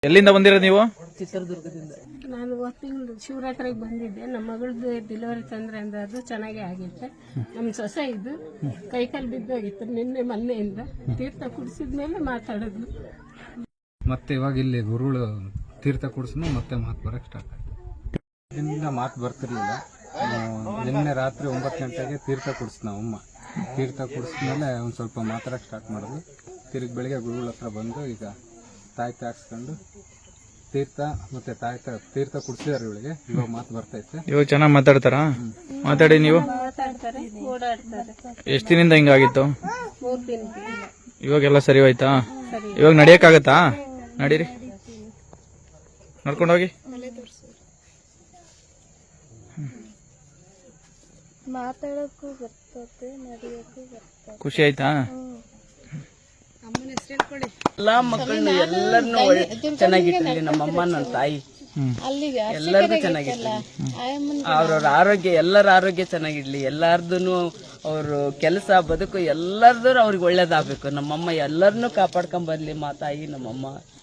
ಎಲ್ಲಿಂದ ಬಂದಿರೋದು ನೀವು? ಚಿತ್ರದುರ್ಗದಿಂದ. ನಾನು ತಿಂಗಳು ಶಿವರಾತ್ರಿಗೆ ಬಂದಿದ್ದೆ. ನಮ್ಮ ಮಗಳದ್ದು ಡೆಲಿವರಿ ತೊಂದರೆ ಅಂದ್ರೆ ಅದು ಚೆನ್ನಾಗೇ ಆಗಿತ್ತೆ. ನಮ್ಮ ಸೊಸೆ ಇದು ಕೈಕಾಲು ಬಿದ್ದೋಗಿತ್ತು ನಿನ್ನೆ ಮೊನ್ನೆಯಿಂದ. ತೀರ್ಥ ಕುಡಿಸಿದ್ಮೇಲೆ ಮಾತಾಡೋದು. ಮತ್ತೆ ಇವಾಗ ಇಲ್ಲಿ ಗುರುಗಳು ತೀರ್ಥ ಕುಡಿಸಿದ್ಮೇಲೆ ಮತ್ತೆ ಮಾತು ಬರೋಕ್ಕೆ ಸ್ಟಾರ್ಟ್ ಆಯ್ತು. ಇದರಿಂದ ಮಾತು ಬರ್ತಿರ್ಲಿಲ್ಲ. ನಿನ್ನೆ ರಾತ್ರಿ 9 ಗಂಟೆಗೆ ತೀರ್ಥ ಕುಡಿಸ್ ಅಮ್ಮ. ತೀರ್ಥ ಕುಡಿಸಿದ್ಮೇಲೆ ಒಂದು ಸ್ವಲ್ಪ ಮಾತಾಡೋಕ್ಕೆ ಸ್ಟಾರ್ಟ್ ಮಾಡೋದು. ತಿರುಗಿ ಬೆಳಿಗ್ಗೆ ಗುರುಗಳ ಹತ್ರ ಬಂದು ಈಗ ತಾಯಿ ಹಾಕ್ಸ್ಕೊಂಡು ತೀರ್ಥ ಮತ್ತೆ ತಾಯಿ ತೀರ್ಥ ಕುಡಿಸಿದಾರೆ ಇವಳಿಗೆ. ಇವಾಗ ಮಾತು ಬರ್ತೈತೆ. ಇವಾಗ ಚೆನ್ನಾಗಿ ಮಾತಾಡ್ತಾರಾ? ಮಾತಾಡಿ ನೀವು. ಮಾತಾಡ್ತಾರೆ, ಓಡಾಡ್ತಾರೆ. ಎಷ್ಟು ದಿನದಿಂದ ಹಿಂಗಾಗಿತ್ತು? 3 ದಿನ. ಇವಾಗೆಲ್ಲ ಸರಿ ಹೋಯ್ತಾ? ಇವಾಗ ನಡಿಯಕ್ಕಾಗತ್ತಾ? ನಡೀರಿ, ನಡ್ಕೊಂಡೋಗಿ. ಮಾತಾಡಕ್ಕೂ ಬರ್ತದೆ, ನಡೆಯಕ್ಕೂ ಬರ್ತದೆ. ಖುಷಿ ಆಯ್ತಾ? ಎಲ್ಲಾ ಮಕ್ಕಳನ್ನು ಎಲ್ಲರನ್ನು ಚೆನ್ನಾಗಿಟ್ಟಿರ್ಲಿ ನಮ್ಮಮ್ಮ, ನನ್ನ ತಾಯಿ ಎಲ್ಲರಿಗೂ ಚೆನ್ನಾಗಿರ್ಲಿ. ಅವ್ರವ್ರ ಆರೋಗ್ಯ, ಎಲ್ಲರ ಆರೋಗ್ಯ ಚೆನ್ನಾಗಿರ್ಲಿ. ಎಲ್ಲಾರ್ದು ಅವರು ಕೆಲಸ ಬದುಕು ಎಲ್ಲರದ್ದು ಅವ್ರಿಗೆ ಒಳ್ಳೇದಾಗಬೇಕು. ನಮ್ಮಮ್ಮ ಎಲ್ಲರನ್ನೂ ಕಾಪಾಡ್ಕೊಂಡ್ ಬರ್ಲಿ. ತಾಯಿ ನಮ್ಮಮ್ಮ